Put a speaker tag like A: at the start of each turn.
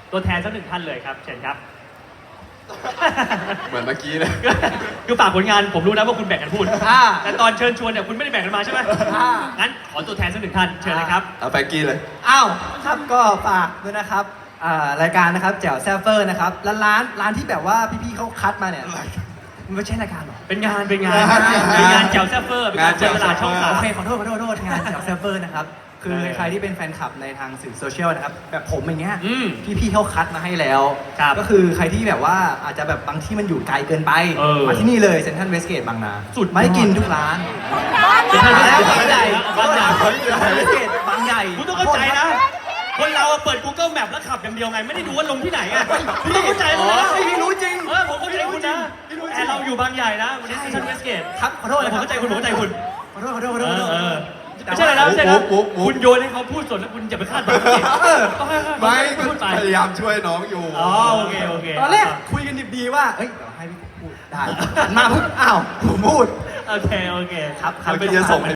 A: ตัวแทนสักหนึ่งท่านเลยครับเชิญครับ
B: เหมือนเมื่อกี้เลย
A: คือฝากผลงานผมรู้นะว่าคุณแบ่งกันพูด
C: อ่า
A: แต่ตอนเชิญชวนเนี่ยคุณไม่ได้แบ่งกันมาใช่ไหม งั้นขอตัวแทนสักหนึ่งท่านเชิญเลยครับ
B: เอาแฟรงกี้เลย
C: อ้าว
D: ครับก็ฝากด้วยนะครับรายการนะครับแจ๋วแซฟเฟอร์นะครับร้านที่แบบว่าพี่ๆเขาคัดมาเนี่ยมันไม่ใช่รายการหรอ
A: เป็นงาน
B: เป็นงาน
A: แจ๋วแซฟเฟอร์เป็นงานเปิดตลาดช่องสาม
D: โอเคขอโทษงานแจ๋วแซฟเฟอร์นะครับคือใครที่เป็นแฟนคลับในทางสื่อโซเชียลนะครับแบบผมอย่างเงี้ย
A: อืม
D: พี่ๆเขาคัดมาให้แล้ว
A: ครับ
D: ก็คือใครที่แบบว่าอาจจะแบบบางที่มันอยู่ไกลเกินไป
A: เออ
D: มาที่นี่เลยเซ็นทรัลเวสเกตบางนา
A: สุด
D: ไม่ได้กินทุกร้าน
A: เซ็นทรัลเวสเกต
D: บางใหญ่
A: บางใหญ่
D: เวสเกตบางใหญ่
A: คุณต้องเข้าใจนะ คนเราเปิด Google Map แล้วขับอย่างเดียวไง ไม่ได้ดูว่าลงที่ไหนอ่ะคุณต้องเข้าใจเลยนะ
D: ไม่รู้จริง
A: ผมเข้าใจคุณนะแต่เราอยู่บางใหญ่นะวันนี้เซ็นทรัลเวสเกต
D: ครับขอโทษ
A: ผมเข้าใจคุณขอโทษ
D: ขอโทษ
A: ไม่ใช่อะไรนะไม่ใช่นะคุณโยนให้เขาพูดสดแล้วคุณอย่าไปคาดหวังต้องให้
B: ไม่
A: เขาพูดไป
B: พยายามช่วยน้องอยู่
A: อ๋อโอเค
D: ตอนแรกคุยกันดีๆว่าเอ้ยเดี๋ยวให้พี่พูดได้หันมาปุ๊บอ้าวผมพูด
A: โอเค
D: ครับ
B: เมื่อกี้จะส่งให้